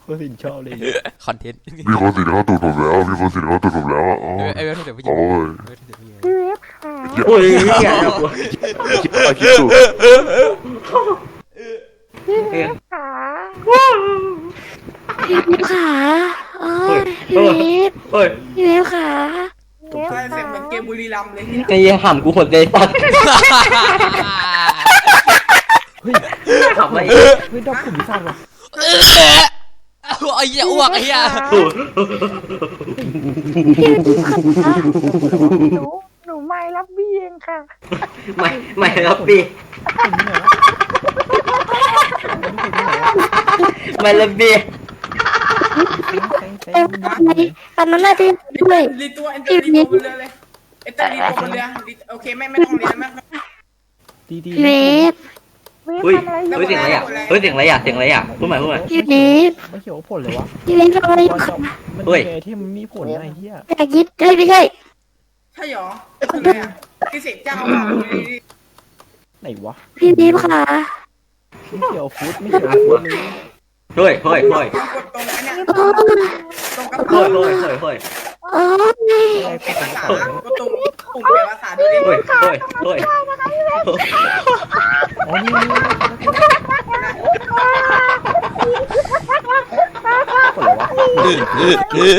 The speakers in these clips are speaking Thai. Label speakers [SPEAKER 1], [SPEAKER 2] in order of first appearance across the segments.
[SPEAKER 1] คนสินชอบเลย
[SPEAKER 2] คอนเทนต์
[SPEAKER 3] มีคนติดเข้าตูดผมแล้วมีคนติดเข้าตูดผมแล้วอ๋อ
[SPEAKER 2] ไอ้เว็บเดี๋ยวผู้หญิง
[SPEAKER 3] โอ้ย
[SPEAKER 4] โอ้ยอย่าปวด
[SPEAKER 3] คิดว่าคิดถูก
[SPEAKER 5] พี่เวฟขาโอ้ยพี่เวฟ
[SPEAKER 4] โอ้ย
[SPEAKER 5] พี่เวฟขา
[SPEAKER 6] อะไรเสียงเหมือนเกมบุรีรัมย์เลย
[SPEAKER 4] ไอ้เหี้ยห่ำกูหดเลยตัด
[SPEAKER 1] เฮ้ย
[SPEAKER 4] ทำอะไร
[SPEAKER 1] เฮ้ยดอกขุมพิซซ่าว่ะ
[SPEAKER 2] ไอ้เหี้ยอ้วกไอ้เหี้ย
[SPEAKER 5] หนูไม่รับพี่เองค่ะ
[SPEAKER 4] ไม่รับพี่ไม่รับพี่
[SPEAKER 5] อันนั้นน่ะที่ด้วย
[SPEAKER 6] รีตัวเอ็นเตอร์รีตัวบนเรือเลยเอ็นเตอร์รีตัวบนเรือโอเคไม่ต้องเรียนมาก
[SPEAKER 1] ดีดี
[SPEAKER 5] พี่เวฟ
[SPEAKER 4] เฮ้ยเสียงอะไรอ่ะเฮ้ยเสียงอะไรอ่ะเสียงอะไรอ่ะพูดใหม่
[SPEAKER 5] พี่เวฟ
[SPEAKER 1] ไม่เขียวผลเลยวะ
[SPEAKER 5] พี่เวฟทำอะไรอยู่คะ
[SPEAKER 1] มันที่มันมีผลไอ้เหี้ย
[SPEAKER 5] อยากยิดเฮ้ยไม่ใช่
[SPEAKER 6] ใช่หรออะไรอ่ะที่เสกเจ้ามา
[SPEAKER 1] ไหนวะ
[SPEAKER 5] พี่เวฟค่ะ
[SPEAKER 1] ไม่เขียวฟุตไม่เขียวฟุตเลย
[SPEAKER 4] เฮ้ย
[SPEAKER 6] กดตรงอันเนี้ย
[SPEAKER 5] โอ้ย
[SPEAKER 6] ตรงกระเป๋า
[SPEAKER 5] โอ้ย
[SPEAKER 6] ภาษากดตรงปุ่มแปลภาษาดูดิ
[SPEAKER 4] เฮ้ย
[SPEAKER 1] อ๋อนี่ผลเลยวะ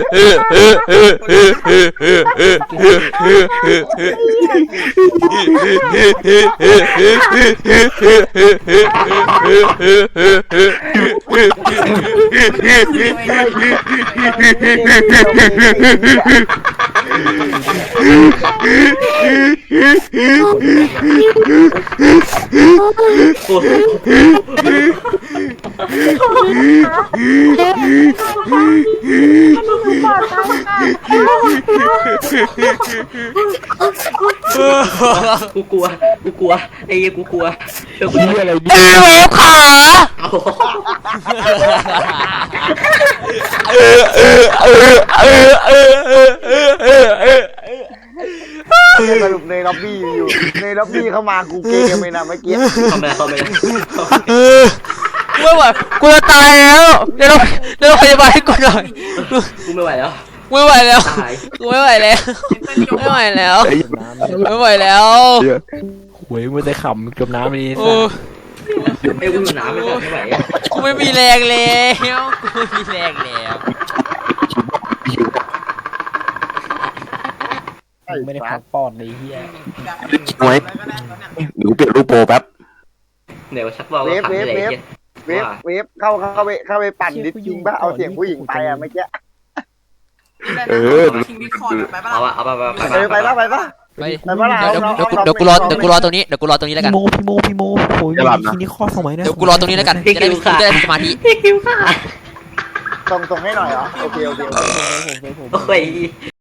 [SPEAKER 4] กูกลัวไอ้เหี้ยกูกลัวเชื่อกู
[SPEAKER 1] นี่อะไร
[SPEAKER 2] ไอ้เว็บขา
[SPEAKER 7] สรุปในล็อบบี้อยู่ในล็อบบี้เข้ามากูเกมไปนะเมื่อกี้
[SPEAKER 4] เข้าไป
[SPEAKER 2] ไม่ไหวกูจะตายแล้วเดี๋ยวพยาบาลให้กูหน่อย
[SPEAKER 4] กูไม่ไหวแล้ว
[SPEAKER 2] ไม่ไหวแล้ว
[SPEAKER 4] ตาย
[SPEAKER 2] กูไม่ไหวแล้วไม่ไหวแล้ว
[SPEAKER 1] น้ำ
[SPEAKER 2] ไม่ไหวแล้ว
[SPEAKER 1] หวยมือแต่ขำจมน้ำไปนี่
[SPEAKER 2] โอ้
[SPEAKER 4] ไอ้กูอยู่น้ำไม่ไหว
[SPEAKER 2] กูไม่มีแรงแล้วกูไม่มีแรงแล้ว
[SPEAKER 1] ไม่ได้พักปอดเลยเฮีย
[SPEAKER 3] หนูเปลี่ยนรูปโปรแป๊บ
[SPEAKER 4] เดี๋ยวชักว่าว่าขันอะไรเงี้ย
[SPEAKER 7] เวฟเข้าไปปั่นดิสจริงป่ะเอาเสียงผู้หญิงไปอ่ะเมื่อกี้
[SPEAKER 6] คิงดิคอร์ดไปปะ
[SPEAKER 4] เอา
[SPEAKER 6] ล่ะ
[SPEAKER 4] เอาไป
[SPEAKER 1] ไปเ
[SPEAKER 2] ดี๋ยวกูรอตรงนี้แล้วกัน
[SPEAKER 1] พี่โมโอ้ยทีนี้ข้อสมัยนะ
[SPEAKER 2] เดี๋ยวกูรอตรงนี้แล้วกันจะได้มีสมาธิ
[SPEAKER 4] คิวค่ะ
[SPEAKER 7] ส่งให้หน่อยเหรอโอเค
[SPEAKER 1] ผม
[SPEAKER 4] โอ้ย